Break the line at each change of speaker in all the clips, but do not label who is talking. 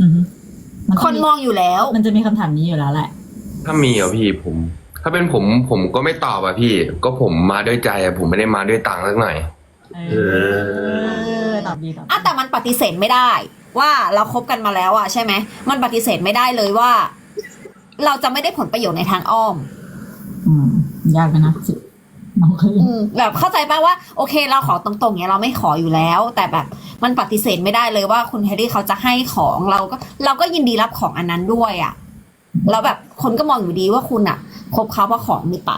อือฮึมัน
คนมองอยู่แล้ว
มันจะมีคำถามนี้อยู่แล้วแหละ
ถ้ามีพี่ถ้าเป็นผมก็ไม่ตอบพี่ ก็ผมมาด้วยใจผมไม่ได้มาด้วยตังค์สักหน่อย
ตอบดีตอบดี
อ่ะแต่มันปฏิเสธไม่ได้ ว่าเราคบกันมาแล้วอ่ะใช่ไหมมันปฏิเสธไม่ได้เลยว่า เราจะไม่ได้ผลประโยชน์ในทางอ้อม
ยากนะสิน้องเคย
แบบเข้าใจป่ะว่าโอเคเราขอตรงๆเนี่ยเราไม่ขออยู่แล้ว แต่แบบมันปฏิเสธไม่ได้เลยว่าคุณแฮร์รี่เขาจะให้ของเราก็ยินดีรับของอันนั้นด้วยอ่ะแล้วแบบคนก็มองอยู่ดีว่าคุณอ่ะคบเขาเพราะของหรือเปล่า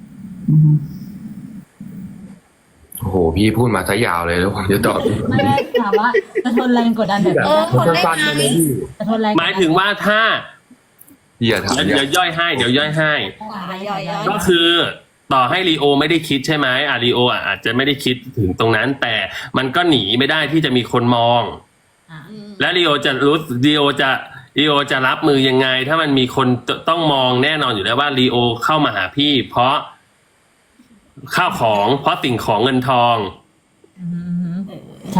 โอ้โหพี่พูดมาซะยาวเลยแล้วผมจะตอบ
ไม่ได้ถามว่าจะทนแรงกดดันแบบ
คนได้
สั้น
ไง
ๆเลยพี่
จะทนแรง
หมายถึงว่าถ้า
พี่อย่าถาม
เดี๋ยวย่อยให้
ย่อยๆ
ก็คือต่อให้ลีโอไม่ได้คิดใช่ไหมลีโออาจจะไม่ได้คิดถึงตรงนั้น แต่มันก็หนีไม่ได้ที่จะมีคนมอง และลีโอจะรู้ลีโอจะรับมือยังไง ถ้ามันมีคนต้องมองแน่นอนอยู่แล้วว่าลีโอเข้ามาหาพี่ เพราะข้าวของเพราะสิ่งของเงินทอง
ใช่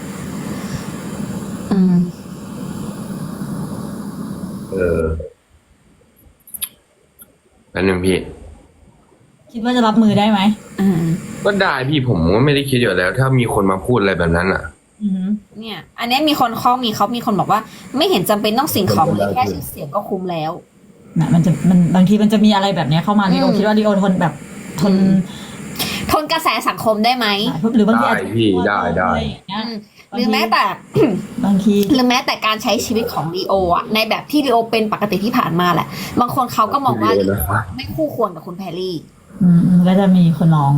นั่นหนึ่งพี่
คิดว่าจะรับมือได้ไหม
ก็ได้พี่ผมก็ไม่ได้คิดอยู่แล้ว ถ้ามีคนมาพูดอะไรแบบนั้นอ่ะ
เนี่ย อันนี้มีคนมีคนบอกว่า ไม่เห็นจำเป็นต้องสิ่งของเลยแค่ชื่อเสียงก็คุ้มแล้ว
นะมันบางทีมันจะมีอะไรแบบนี้เข้ามาลีโอคิดว่าลีโอทนแบบทน
ทนกระแสสังคมได้ไหม
หรือบางทีอาจจะ
ได้พี่ได้
อะไรอย่างเงี้ย
หรือแม้แต่
บางที
หรือแม้แต่การใช้ชีวิตของลีโออ่ะในแบบที่ลีโอเป็นปกติที่ผ่านมาแหละ บางคนเขาก็มองว่าลีโอไม่คู่ควรกับคุณแพรรี่
ก็จะมีคนลอง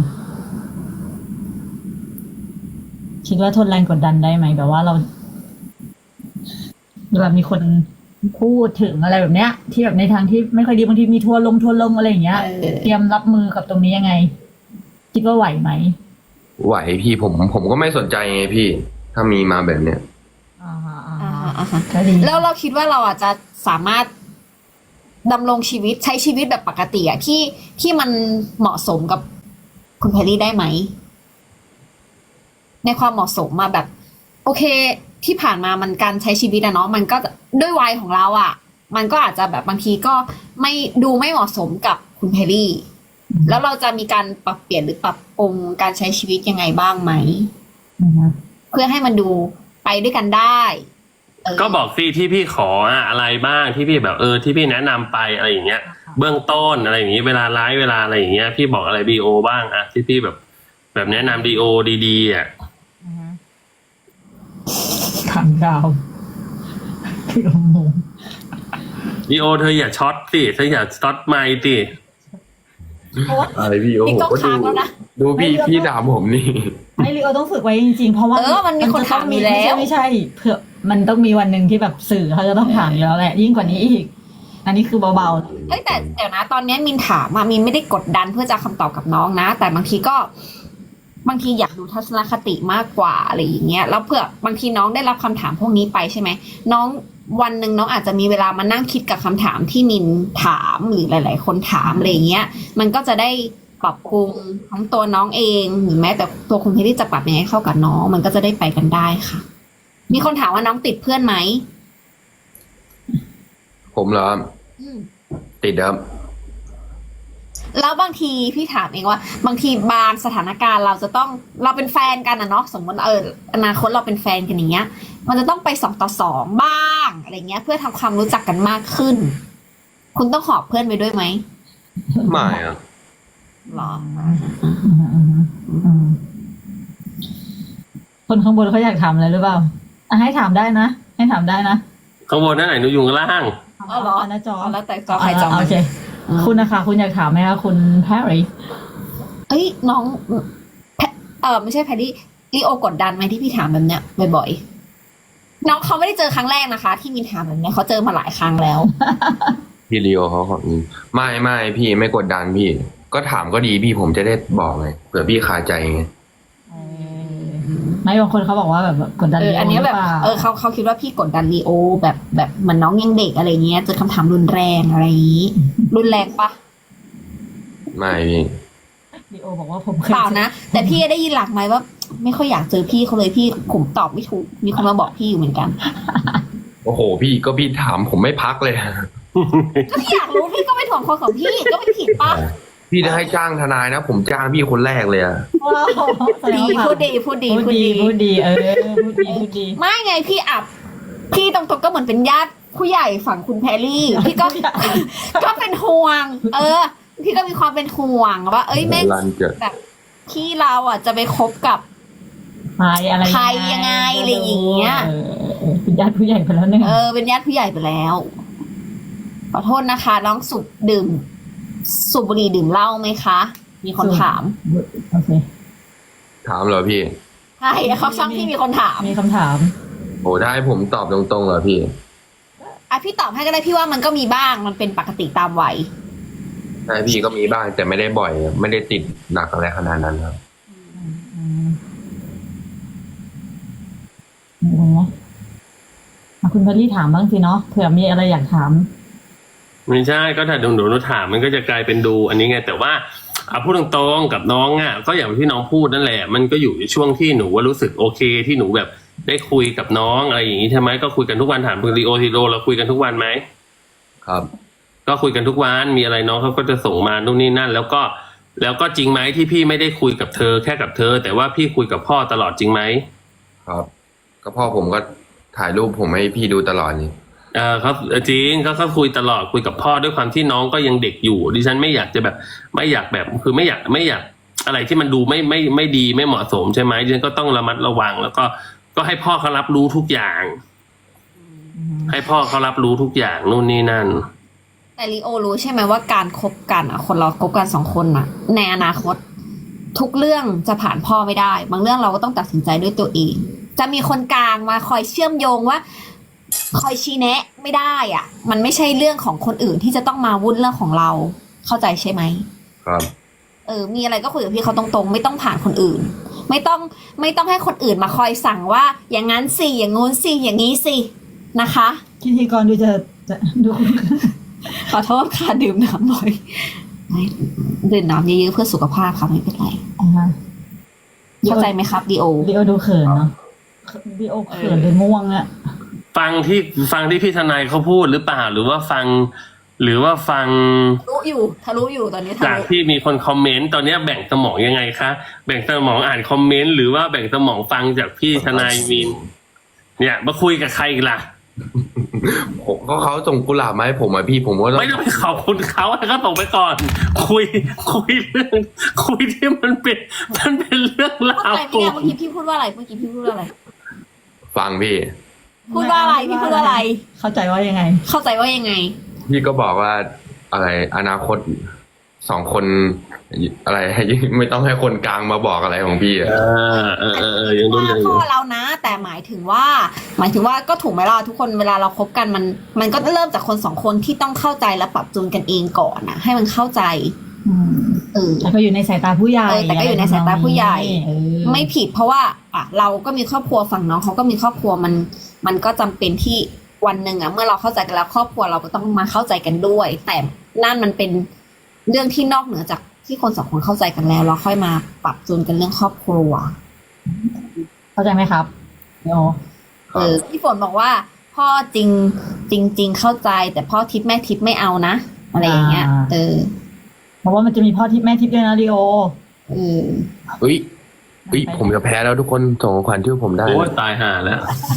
คิดว่าทนแรงกดดันได้ไหมแบบว่าเราแบบมีคนพูดถึงอะไรแบบเนี้ย ที่แบบในทางที่ไม่ค่อยดีบางทีมีทัวร์ลงอะไรอย่างเงี้ย เตรียมรับมือกับตรงนี้ยังไง คิดว่าไหวไหม
ไหวพี่ผมก็ไม่สนใจไงพี่ ถ้ามีมาแบบเนี้ย
ก็ดี
แล้วเราคิดว่าเราอาจจะสามารถดำรงชีวิตใช้ชีวิตแบบปกติอะที่มันเหมาะสมกับคุณแพรรี่ได้ไหม ในความเหมาะสมมาแบบ โอเค ที่ผ่านมามันการใช้ชีวิตอะเนาะมันก็ด้วยวัยของเราอะมันก็อาจจะแบบบางทีก็ไม่ดูไม่เหมาะสมกับคุณแพรรี่ แล้วเราจะมีการปรับเปลี่ยนหรือปรับปรุงการใช้ชีวิตยังไงบ้างไหมเพื่อให้มันดูไปด้วยกันได้
ก็บอกสิที่พี่ขออะไรบ้างที่พี่แบบที่พี่แนะนำไปอะไรอย่างเงี้ย เบื้องต้นอะไรอย่างงี้เวลาไลฟ์เวลาอะไรอย่างเงี้ยพี่บอกอะไรดีโอบ้างที่พี่แบบแนะนำดีโอดีๆ
ทางดาวพี่งง
ดีโอเธออย่าช็อตสิเธออย่าช็อตไมค์สิ
อะไรพี่โอ้
นี่
โห
ก็
ก็
ค้างแล้วนะ
ดูพี่ถามผมนี่
ไม่ลีโอต้องฝึกไว้จริงๆ เพราะว่า
มันมีคนถามอยู่แล้ว
ไม่ใช่เผื่อมันต้องมีวันหนึ่งที่แบบสื่อเขาจะต้องถามอยู่แล้วแหละยิ่งกว่านี้อีก อันนี้คือเบาๆ
เอ้ยแต่เดี๋ยวนะตอนนี้มินถามมินไม่ได้กดดันเพื่อจะคำตอบกับน้องนะ แต่บางทีอยากดูทัศนคติมากกว่าอะไรอย่างเงี้ยแล้วเผื่อบางทีน้องได้รับคำถามพวกนี้ไปใช่ไหมน้องวันหนึ่งน้องอาจจะมีเวลามานั่งคิดกับคำถามที่มินถามหรือหลาย ๆ คนถามอะไรอย่างเงี้ยมันก็จะได้ปรับปรุงทั้งตัวน้องเองหรือแม้แต่ตัวคุณพี่ที่จะปรับยังไงเข้ากับน้องมันก็จะได้ไปกันได้ค่ะ มีคนถามว่าน้องติดเพื่อนไหม
ผมเหรอติดครับ
แล้วบางทีพี่ถามเองว่า บางทีบางสถานการณ์เราเป็นแฟนกันนะเนาะสมมติอนาคตเราเป็นแฟนกันอย่างเงี้ย มันจะต้องไป2 ต่อ 2บ้างอะไรเงี้ย เพื่อทำความรู้จักกันมากขึ้น คุณต้องหอบเพื่อนไปด้วยไหม
ไม่อะ
หรอ
คนข้างบนเขาอยากถามอะไรหรือเปล่าให้ถามได้นะให้ถามได้นะ
ข้างบนนั่นไหนหนูอยู่ข้างล่าง
เหรอ
หน้าจอ
แล้วแต่จอใครจอ
โอเคคุณนะคะคุณอยากถามไหมคะคุณแพรรี่
เอ้ยน้องไม่ใช่แพรรี่ลีโอกดดันไหมที่พี่ถามแบบเนี้ยบ่อยๆน้องเขาไม่ได้เจอครั้งแรกนะคะ ที่มีถามแบบเนี้ยเขาเจอมาหลายครั้งแล้ว
พี่ลีโอเขาขอไม่พี่ไม่กดดันพี่ ก็ถามก็ดีพี่ผมจะได้บอกไงเผื่อพี่คาใจไง
ไม่บางคนเขาบอกว่าแบบกดดัน
อันนี้แบบ
หรือเปล่า
เขาคิดว่าพี่กดดันลีโอแบบเหมือนน้องยังเด็กอะไรเงี้ยเจอคำถามรุนแรงอะไรอย่างนี้ รุนแรงปะ
ไม่พี่
ลีโอบอกว่าผมเคย
เปล่านะแต่พี่ได้ยินหลักไหมว่า ไม่ค่อยอยากเจอพี่เขาเลยพี่ผมตอบไม่ถูกมีคนมาบอกพี่อยู่เหมือนกัน
โอ้โหพี่ก็พี่ถามผมไม่พักเลย
ก็พี่อยากรู้พี่ก็ไปถ่วงคนของพี่ก็ไม่ผิดปะ
พี่จะให้จ้างทนายนะ ผมจ้างพี่คนแรกเลยอะ
ว้าวแสดง
ดี
ว่า
พูดดีพูดดี
พูด
พูด
ดี
ดี
พูดดีพูดดีพูดดี
ไม่ไงพี่อับพี่ตรงๆก็เหมือนเป็นญาติผู้ใหญ่ฝั่งคุณแพรรี่ พี่ก็ ก็เป็นห่วง พี่ก็มีความเป็นห่วงว่า เอ้ยแม่ง
รันเกิด
แบบพี่เราอ่ะจะไปคบกับ
ใครอะไร
ใครยังไงอะไรอย่างเงี้ย
เป็นญาติผู้ใหญ่ไปแล้วหนึ่ง
เป็นญาติผู้ใหญ่ไปแล้วขอโทษนะคะ น้องสูบบุหรี่ดื่มเหล้าไหมคะ มีคนถาม
โอเค
ถามเหรอพี่
ใช่เขาช่างพี่มีคนถาม
มีคำถาม
โอ้ได้ผมตอบตรงๆเหรอพี่
พี่ตอบให้ก็ได้พี่ว่ามันก็มีบ้างมันเป็นปกติตามวัย
ใช่พี่ก็มีบ้างแต่ไม่ได้บ่อย ไม่ได้ติดหนักอะไรขนาดนั้นครับ
คุณพอลลี่ถามบ้างสิเนาะเผื่อมีอะไรอยากถาม
ไม่ใช่ก็ถ้าหนูถามมันก็จะกลายเป็นดูอันนี้ไงแต่ว่าพูดตรงๆกับน้องอ่ะก็อย่างที่น้องพูดนั่นแหละมันก็อยู่ในช่วงที่หนูว่ารู้สึกโอเคที่หนูแบบได้คุยกับน้องอะไรอย่างนี้ใช่ไหมก็คุยกันทุกวันถามคุณลีโอเราคุยกันทุกวันไหม
ครับ
ก็คุยกันทุกวันมีอะไรน้องเขาก็จะส่งมานู่นนี่นั่น แล้วก็จริงไหมที่พี่ไม่ได้คุยกับเธอแค่กับเธอ แต่ว่าพี่คุยกับพ่อตลอดจริงไหม
ครับ ก็พ่อผมก็ถ่ายรูปผมให้พี่ดูตลอดนี่
เขาจริงเขาคุยตลอดคุยกับพ่อด้วยความที่น้องก็ยังเด็กอยู่ดิฉันไม่อยากจะแบบไม่อยากแบบคือไม่อยากอะไรที่มันดูไม่ดีไม่เหมาะสมใช่ไหมดิฉันก็ต้องระมัดระวัง แล้วก็ให้พ่อเขารับรู้ทุกอย่าง ให้พ่อเขารับรู้ทุกอย่างนู่นนี่นั่น
แต่ลีโอรู้ใช่ไหมว่าการคบกันคนเราคบกัน2 คนในอนาคต ทุกเรื่องจะผ่านพ่อไม่ได้ บางเรื่องเราก็ต้องตัดสินใจด้วยตัวเอง จะมีคนกลางมาคอยเชื่อมโยงว่า คอยชี้แนะไม่ได้อ่ะ มันไม่ใช่เรื่องของคนอื่นที่จะต้องมาวุ่นเรื่องของเราเข้าใจใช่ไหม
ครับ
มีอะไรก็คุยกับพี่เขาตรงๆไม่ต้องผ่านคนอื่น ไม่ต้องให้คนอื่นมาคอยสั่งว่า อย่างนั้นสิอย่างงู้นสิอย่างนี้สินะคะ
พิธีกรดูจะดู
ขอโทษค่ะดื่มน้ำบ่อยดื่มน้ำเยอะๆเพื่อสุขภาพค่ะไม่เป็นไรเข้าใจไหมครับดีโอ
ดีโอดูเขินเนาะดีโอเขินหรือง่วงอะ
ฟังที่พี่ทนายเขาพูดหรือเปล่าหรือว่าฟัง
รู้อยู่ทะลุอยู่ตอนนี้ทะ
จาก
ลุ
ที่มีคนคอมเมนต์ตอนนี้แบ่งสมองยังไงคะแบ่งสมองอ่านคอมเมนต์หรือว่าแบ่งสมองฟังจากพี่ทนายมีนเนี่ยมาคุยกับใครอีกล่ะ
ผมก็เขาส่งกุหลาบมาให้ผมอะพี่ผมก็ต้อง
ไม่ต้องไปขอบคุณเขาให้เขาส่งไปก่อน คุยเรื่องคุยที่มันเป็นเรื่องราว
อะไรพี่แดงเมื่อกี้พี่พูดว่าอะไรเมื่อกี้พี่พูดว่าอะไร
ฟังพี่
พูดว่าอะไรพี่พูดว่าอะไร
เข้าใจว่ายังไง
เข้าใจว่ายังไง
พี่ก็บอกว่าอะไรอนาคต2 คนอะไรให้ไม่ต้องให้คนกลางมาบอกอะไรของพี่อะ
ยังดู
ว่า
เลย
พ่อเรานะ แต่หมายถึงว่าก็ถูกไหมล่ะทุกคนเวลาเราคบกันมันก็เริ่มจากคน2 คนที่ต้องเข้าใจและปรับจูนกันเองก่อนนะให้มันเข้าใจ
แต่ก็อยู่ในสายตาผู้ใหญ่
แต่ก็อยู่ในสายตาผู้ใหญ่
ไม่
ไม่ผิดเพราะว่าเราก็มีครอบครัวฝั่งน้องเขาก็มีครอบครัวมันก็จำเป็นที่วันหนึ่งเมื่อเราเข้าใจกันแล้วครอบครัวเราก็ต้องมาเข้าใจกันด้วย แต่นั่นมันเป็นเรื่องที่นอกเหนือจากที่คน2 คนเข้าใจกันแล้วเราค่อยมาปรับจูนกันเรื่องครอบครัว
เข้าใจไหมครับโอ
พี่ฝนบอกว่าพ่อจริงเข้าใจแต่พ่อทิพย์แม่ทิพย์ไม่เอานะอะไรอย่างเงี้ย
เพราะว่ามันจะมีพ่อทิพย์แม่ทิพย์ด้วยนะลีโอ
เฮ้ยผมจะแพ้แล้วทุกคนส่งของขวัญชื่อผมได้
โอ้ตายห่าแล้ว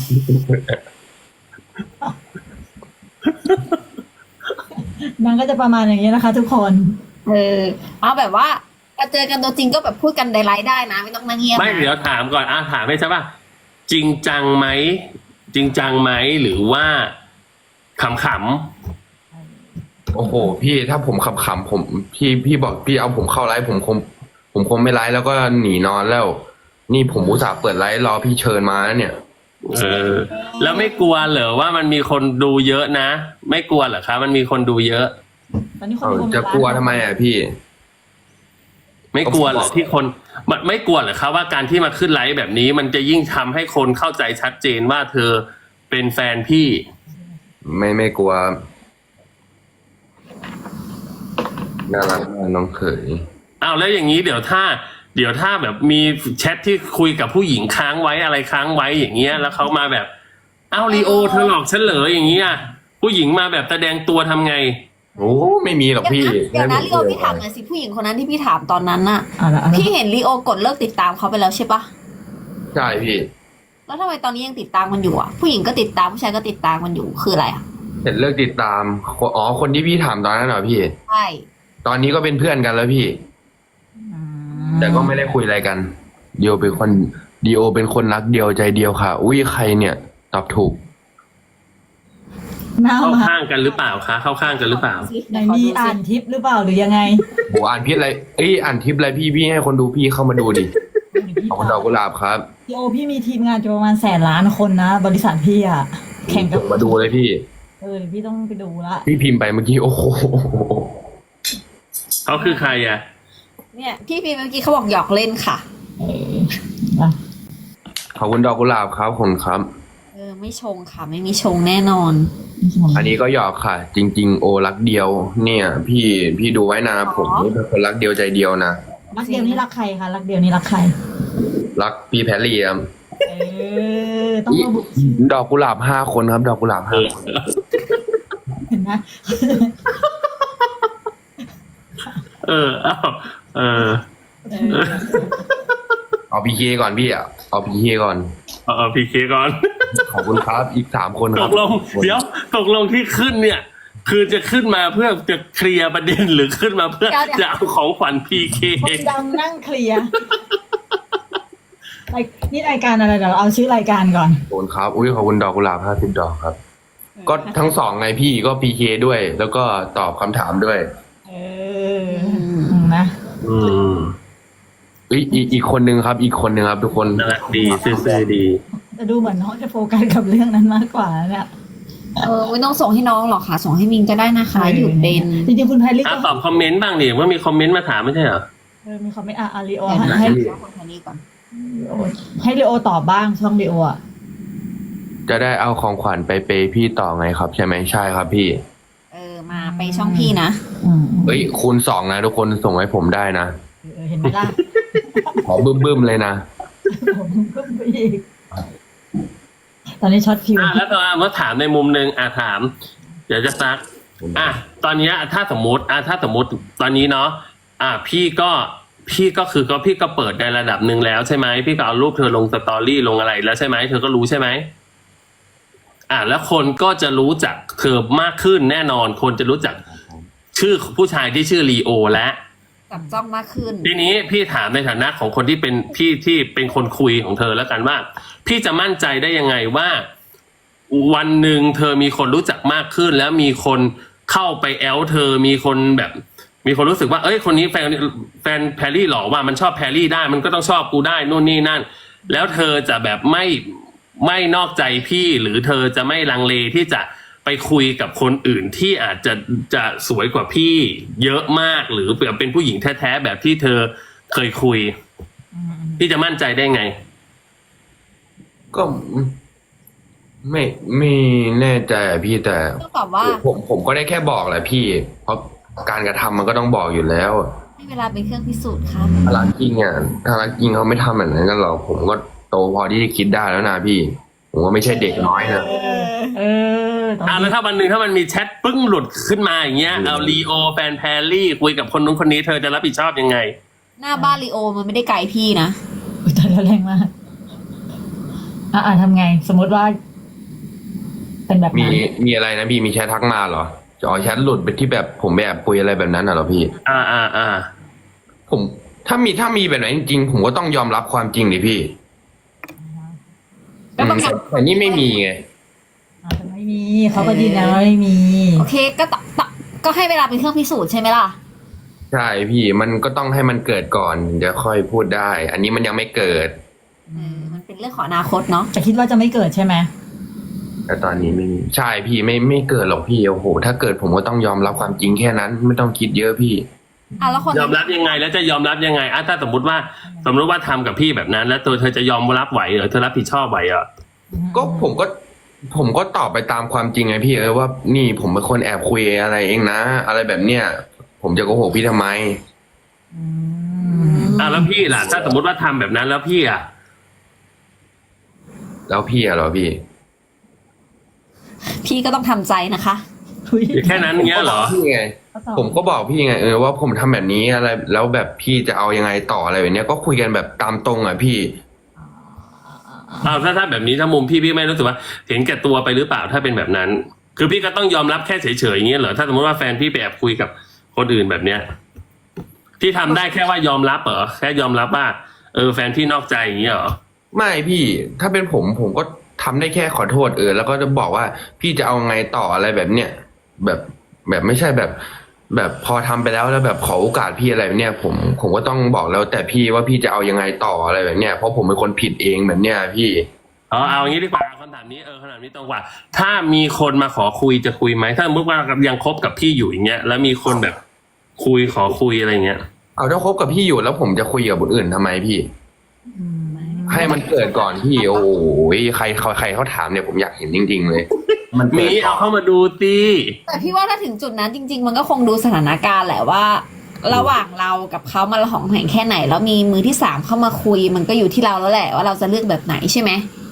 นางก็จะประมาณอย่างนี้นะคะ ทุกคน
เอาแบบว่าเจอกันตัวจริงก็แบบพูดกันในไลฟ์ได้นะไม่ต้องนั่งเงียบ
ไม่เดี๋ยวถามก่อนถามให้ใช่ป่ะจริงจังไหมหรือว่าขำ
โอ้โหพี่ถ้าผมขำๆผมพี่บอกพี่เอาผมเข้าไลฟ์ผมคงไม่ไลฟ์แล้วก็หนีนอนแล้ว นี่ผมอุตส่าห์เปิดไลฟ์รอพี่เชิญมาแล้วเนี่ย
แล้วไม่กลัวเหรอว่ามันมีคนดูเยอะนะไม่กลัวเหรอคะมันมีคนดูเยอะ
ตอนนี้คนดู
จะกลัวทำไมอะพี่
ไม่กลัวเหรอที่คนมันไม่กลัวเหรอคะว่าการที่มาขึ้นไลฟ์แบบนี้ มันจะยิ่งทำให้คนเข้าใจชัดเจนว่าเธอเป็นแฟนพี่
ไม่กลัวน่ารักมากน้องเขย
อ้าวแล้วอย่างนี้เดี๋ยวถ้าแบบมีแชทที่คุยกับผู้หญิงค้างไว้อะไรค้างไว้อย่างเงี้ยแล้วเขามาแบบอ้าวลีโอเธอหลอกฉันเหรออย่างนี้อ่ะผู้หญิงมาแบบแสดงตัวทำไง
โอ้ไม่มีหรอกพี่
เดี๋ยวนะลีโอพี่ถามหน่อยสิผู้หญิงคนนั้นที่พี่ถามตอนนั้นน่ะ
เอาละเอาละ
พี่เห็นลีโอกดเลิกติดตามเขาไปแล้วใช่ปะ
ใช่พี่
แล้วทำไมตอนนี้ยังติดตามมันอยู่อ่ะผู้หญิงก็ติดตามผู้ชายก็ติดตามมันอยู่คืออะไรอ่ะ
เห็นเลิกติดตามอ๋อคนที่พี่ถามตอนนั้นเหรอพี่
ใช่
ตอนนี้ก็เป็นเพื่อนกันแล้วพี่
อืม
แต่ก็ไม่ได้คุยอะไรกันดีโอเป็นคนรักเดียวใจเดียวค่ะ อุ้ยใครเนี่ย ตอบถูก
หน้า
เข้า
มา
ข้างกันหรือเปล่าคะเข้าข้างกันหรือเปล่า
ไหนมีอ่านทิปหรือเปล่าหรือยังไง
โหอ่านพิษอะไรอ่านทิปอะไรพี่ให้คนดูพี่เข้ามาดูดิขอบคุณดอกกุหลาบครับ
พี่โอพี่มีทีมงานจะประมาณ100,000,000 คนนะ บริษัทพี่อ่ะ แข่งกับ
มาดูเลยพี่
เดี๋ยวพี่ต้องไปดูละ
พี่พิมพ์ไปเมื่อกี้โอ้โห
เขาคือใครอ่ะ
เนี่ยพี่พีเมื่อกี้เขาบอกหยอกเล่นค่ะ
เออนะ
ขอบคุณดอกกุหลาบครับขอบคุณครับ
ไม่ชงค่ะ ไม่มีชงแน่นอน
อันนี้ก็หยอกค่ะ จริง ๆ โอรักเดียว เนี่ย พี่ดูไว้นะผมเป็นคนรักเดียวใจเดียวนะ
รักเดียวนี่รักใครคะรักเดียวนี่รักใคร
รักพี่แพรรี่ครับ
ต้องระบุ
ดอกกุหลาบ5 คนครับ ดอกกุหลาบ5 คน
เห็นไหม
เอา
เออ
เอาพีเคก่อนพี่เอาพีเคก่อน
เอาพีเคก่อน
ขอบคุณครับอีก3 คนค
ต
รับ
กลงเดี๋ยวตกลงที่ขึ้นเนี่ย คือจะขึ้นมาเพื่อจะเคลียร์ประเด็นหรือขึ้นมาเพื่อจะเอาของขวัญพีเค
คนดังนั่งเคลียร์นี่รายการอะไรเดี๋ยวเราเอาชื่อรายการก่อน
ขอบคุณครับอุ้ยขอบคุณดอกกุหลาบ50 ดอกครับ ก็ทั้ง2ไงพี่ก็พีเคด้วย แล้วก็ตอบคำถามด้วย
เออนะ
อืม
อีกคนนึงครับ อีกคนนึงครับ ทุกคน
น่ารักดีซื่อๆดี
จะดูเหมือนน้องจะโฟกัสกับเรื่องนั้นมากกว่าเนี่ย
ไม่ต้องส่งให้น้องหรอกค่ะ ส่งให้มินก็ได้นะคะ หยุดเป็น
จริงๆคุณไพลิก
อ่ะ
ก็
ตอบคอมเมนต์บ้างดิว่ามีคอมเมนต์มาถามไม่ใช่เหรอ
มีคอมเมนต์อาริโอ
เดี๋ยวนะ
ให้
คนคนนี้ก่อน
ให้ริโอตอบบ้างช่องริโออ่ะ
จะได้เอาของขวัญไปเปย์พี่ต่อไงครับ ใช่ไหมใช่ครับพี่
มาไปช่องพี่นะ
คูณ 2นะทุกคนส่งให้ผมได้นะ
เห็นไหมล่ะ
ขอบึ้มๆเลยนะ
ผมก็ไปอีกตอนนี้ช็อตฟิว
แล้วตอนมาถามในมุมหนึ่งถาม เดี๋ยวจะซักตอนนี้ถ้าสมมติตอนนี้เนาะพี่ก็คือพี่ก็เปิดในระดับหนึ่งแล้วใช่ไหมพี่ก็เอารูปเธอลงสตอรี่ลงอะไรแล้วใช่ไหมเธอก็รู้ใช่ไหมแล้วคนก็จะรู้จักเธอมากขึ้นแน่นอนคนจะรู้จักชื่อผู้ชายที่ชื่อลีโอและ
จับจ้องมากขึ้น
ทีนี้พี่ถามในฐานะของคนที่เป็นพี่ที่เป็นคนคุยของเธอแล้วกันว่า พี่จะมั่นใจได้ยังไงว่า วันหนึ่งเธอมีคนรู้จักมากขึ้น แล้วมีคนเข้าไปแอลเธอมีคนแบบ มีคนรู้สึกว่าเอ้ยคนนี้แฟนแพรรี่หรอว่ามันชอบแพรรี่ได้มันก็ต้องชอบกูได้นู่นนี่นั่น แล้วเธอจะแบบไม่นอกใจพี่หรือเธอจะไม่ลังเลที่จะไปคุยกับคนอื่นที่อาจจะสวยกว่าพี่เยอะมากหรือเป็นผู้หญิงแท้ๆแบบที่เธอเคยคุยพี่จะมั่นใจได้ไง
ก็ไม่แน่ใจอะพี่แต่
ต้องตอบว่า
ผมก็ได้แค่บอกแหละพี่ เพราะการกระทำมันก็ต้องบอกอยู่แล้ว
ให้เวลาเป็นเครื่องพิสูจน์ครับ
ถ้ารักจริงถ้ารักจริงเขาไม่ทำแบบนั้นกันหรอกผมก็โตพอที่จะคิดได้แล้วนะพี่ ผมก็ไม่ใช่เด็กน้อยนะ
แล้วถ้าวันหนึ่งถ้ามันมีแชทปึ้งหลุดขึ้นมาอย่างเงี้ยเอาลีโอแฟนแพรรี่คุยกับคนนู้นคนนี้เธอจะรับผิดชอบยังไง
หน้าบ้านลีโอมันไม่ได้ไกลพี่นะ
ตายแล้วแรงมากทำไง สมมติว่า เป็นแบบนั้น
มีอะไรนะพี่มีแชททักมาเหรอแชทหลุดไปที่แบบผมแบบคุยอะไรแบบนั้นเหรอพี่ ผมถ้ามีแบบนั้นจริงๆผมก็ต้องยอมรับความจริงดิพี่แต่นี่ไม่มีไง
แต่ไม่มีเขาก็ยืนยันว่าไม่มี
โอเคก็ให้เวลาเป็นเครื่องพิสูจน์ใช่ไหมล่ะ
ใช่พี่มันก็ต้องให้มันเกิดก่อนเดี๋ยวค่อยพูดได้ อันนี้มันยังไม่เกิด
มันเป็นเรื่องของอนาคตเนาะ
แต่คิดว่าจะไม่เกิดใช่ไหม
แต่ตอนนี้ไม่มีใช่พี่ไม่เกิดหรอกพี่โอ้โหถ้าเกิดผมก็ต้องยอมรับความจริงแค่นั้น ไม่ต้องคิดเยอะพี่
แล้วคน
ยอมรับยังไงแล้วจะยอมรับยังไงถ้าสมมติว่าทำกับพี่แบบนั้น แล้วตัวเธอจะยอมรับไหวเหรอเธอรับผิดชอบไหวเหรอ
ก็ผมก็ตอบไปตามความจริงไงพี่ว่านี่ผมเป็นคนแอบคุยอะไรเองนะ อะไรแบบเนี้ยผมจะโกหกพี่ทำไม
แล้วพี่ล่ะถ้าสมมติว่าทำแบบนั้นแล้วพี่อะ
แล้วพี่อะเหรอพี่
พี่ก็ต้องทำใจนะคะ
อุ๊ย
แค่นั้นเงี้ยเหรอ
พี่ไง ผมก็บอกพี่ไงว่าผมทำแบบนี้อะไรแล้วแบบพี่จะเอายังไงต่ออะไรแบบเนี้ยก็คุยกันแบบตามตรงอ่ะพี่
อ้าวถ้าแบบนี้ถ้ามุมพี่ไม่รู้สึกว่าเห็นแก่ตัวไปหรือเปล่าถ้าเป็นแบบนั้น คือพี่ก็ต้องยอมรับแค่เฉยๆอย่างเงี้ยเหรอถ้าสมมติว่าแฟนพี่ไปแอบคุยกับคนอื่นแบบเนี้ยพี่ทำได้แค่ว่ายอมรับเหรอแค่ยอมรับว่าแฟนพี่นอกใจอย่างเงี้ยเหรอ
ไม่พี่ถ้าเป็นผมก็ทำได้แค่ขอโทษแล้วก็จะบอกว่าพี่จะเอาไงต่ออะไรแบบเนี้ยแบบไม่ใช่แบบพอทำไปแล้วแบบขอโอกาสพี่อะไรแบบเนี้ยผมก็ต้องบอกแล้วแต่พี่ว่าพี่จะเอายังไงต่ออะไรแบบเนี้ยเพราะผมเป็นคนผิดเองแบบเนี้ยพี่
เอาอย่างนี้ดีกว่าคำถามนี้คำถามนี้ตรงกว่า ถ้ามีคนมาขอคุยจะคุยไหมถ้าสมมติว่ายังคบกับพี่อยู่อย่างเงี้ยแล้วมีคนแบบขอคุยอะไรเงี้ย
เอาถ้าคบกับพี่อยู่แล้วผมจะคุยกับคนอื่นทำไมพี่ ให้มันเกิดก่อนพี่โอ้ยใครเขาถามเนี่ยผมอยากเห็นจริง ๆ เลย มันเกิ
มี
ดก่
เอา
อน
เข้ามาดูสิ
แต่พี่ว่าถ้าถึงจุดนั้นจริง ๆ มันก็คงดูสถานการณ์แหละว่า ระหว่างเรากับเขามาละหองแหงแค่ไหน แล้วมีมือที่สามเข้ามาคุย มันก็อยู่ที่เราแล้วแหละว่าเราจะเลือกแบบไหนใช่ไหม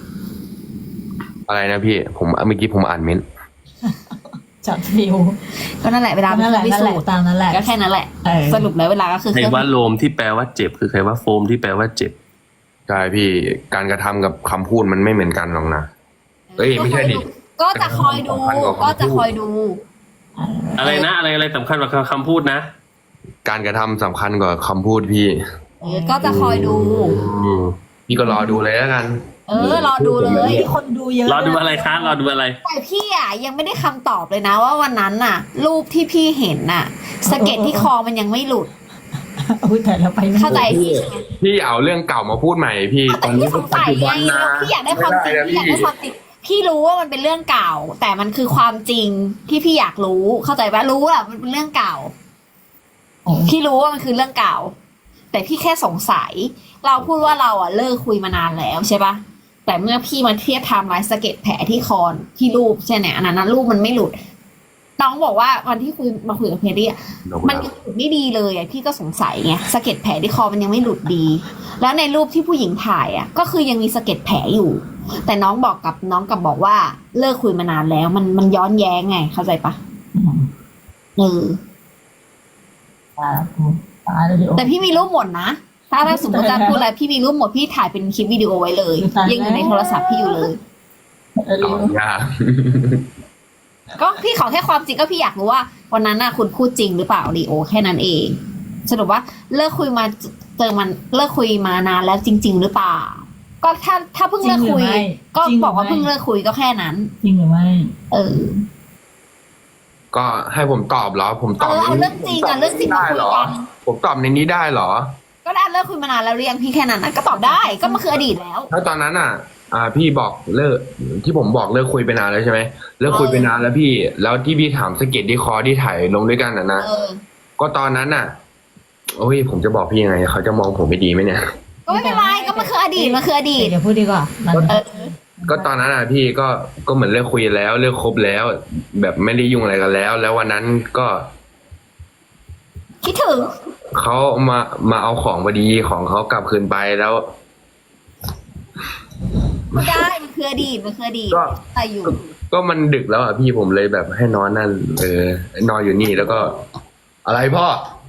อะไรนะพี่ผมเมื่อกี้ผมอ่านเม้นต์
จับฟิว
ก็นั่นแหละเวลา
นั่นแหละ
พิ
นั่น
สู
แหละ
จน์
ตามนั้นแหละ
ก็แค่นั้นแหละ
เออ
สรุปแล้วเวลาก็คือ
ใครว่าโลมที่แปลว่าเจ็บคือใครว่าโฟมที่แปลว่าเจ็บ
ใช่พี่การกระทำกับคำพูดมันไม่เหมือนกันหรอกนะ เอ้ยไม่ใช่ดิ
ก็จะคอยดู ก็จะคอยดู
อะไรนะอะไรสำคัญกว่าคำพูดนะ
การกระทำสำคัญกว่าคำพูดพี่
ก็จะคอยดู
อืม
พี่ก็รอดูเลยแล้วกัน
รอดูเลย
มีคนดูเยอะ
รอดูอะไรคะรอดูอะไร
แต่พี่ยังไม่ได้คำตอบเลยนะว่าวันนั้นน่ะ รูปที่พี่เห็นน่ะสะเก็ดที่คอมันยังไม่หลุด
อุ้ยแต่เราไปไม่
เข้าใจพี่ใช่ไหม
พี่เอาเรื่องเก่ามาพูดใหม่พี่ต
แต่
อนนี้
พี่สงสัยไงพี่อยากได้ความจริงพี่อยากได้ความจริงพี่รู้ว่ามันเป็นเรื่องเก่า แต่มันคือความจริงที่พี่อยากรู้ เข้าใจปะรู้อะมันเป็นเรื่องเก่า พี่รู้ว่ามันคือเรื่องเก่า แต่พี่แค่สงสัย เราพูดว่าเราเลิกคุยมานานแล้วใช่ปะแต่เมื่อพี่มาเทียบไทม์ไลน์สะเก็ดแผลที่คอที่รูปใช่ไหมอันนั้นรูปมันไม่หลุด น้องบอกว่าวันที่มาคุยกับเพรี่มันยังหลุดไม่ดีเลยพี่ก็สงสัยไงสะเก็ดแผลที่คอมันยังไม่หลุดดี แล้วในรูปที่ผู้หญิงถ่ายก็คือยังมีสะเก็ดแผลอยู่ แต่น้องบอกว่าเลิกคุยมานานแล้ว มันย้อนแย้งไง เข้าใจปะแต่พี่มีรูปหมดนะถ้าสมมติจะพูดอะไรพี่มีรูปหมดพี่ถ่ายเป็นคลิปวิดีโอไว้เลย ยังอยู่ในโทรศัพท์พี่อยู่เลย
เอายาก
ก็พี่ขอแค่ความจริงก็พี่อยากรู้ว่าวันนั้นคุณพูดจริงหรือเปล่าลีโอแค่นั้นเองสรุปว่าเลิกคุยมาเลิกคุยมานานแล้วจริง ๆ หรือเปล่า ก็ถ้าเพิ่งเลิกคุย ก็บอกว่าเพิ่งเลิกคุยก็แค่นั้น
จริงหรือไม่
ก็ให้ผมตอบเหรอผมตอบ
เอาเรื่องจริงเรื่องจริงมาคุยกัน
ผมตอบในนี้ได้เหรอ
ก็ได้เลิกคุยมานานแล้วเรียงพี่แค่นั้นก็ตอบได้ก็มันคืออดีตแล้ว
ถ้าตอนนั้นพี่บอกเลิกที่ผมบอกเลิกคุยไปนานแล้วใช่ไหมเลิกคุยไปนานแล้วพี่แล้วที่พี่ถามสะเก็ดที่คอที่ถ่ายลงด้วยกันนะก็ตอนนั้นโอ้ยผมจะบอกพี่ยังไงเขาจะมองผมไม่ดีไหมเนี่ย
ก็ไม่เป็นไรก็มันคืออดีตมันคืออดีต
เดี๋ยวพูดดีกว่า
ก็ตอนนั้นพี่ก็เหมือนเลิกคุยแล้วเลิกคบแล้ว แบบไม่ได้ยุ่งอะไรกันแล้ว แล้ววันนั้นก็
คิดถึง
เขามาเอาของพอดีของเขากลับคืนไปแล้ว
ไม่ได้มันคืออดีตมันคืออดีตแต่อยู่
ก็มันดึกแล้วพี่ผมเลยแบบให้นอนนั่นนอนอยู่นี่แล้วก็ อะไรพ่อ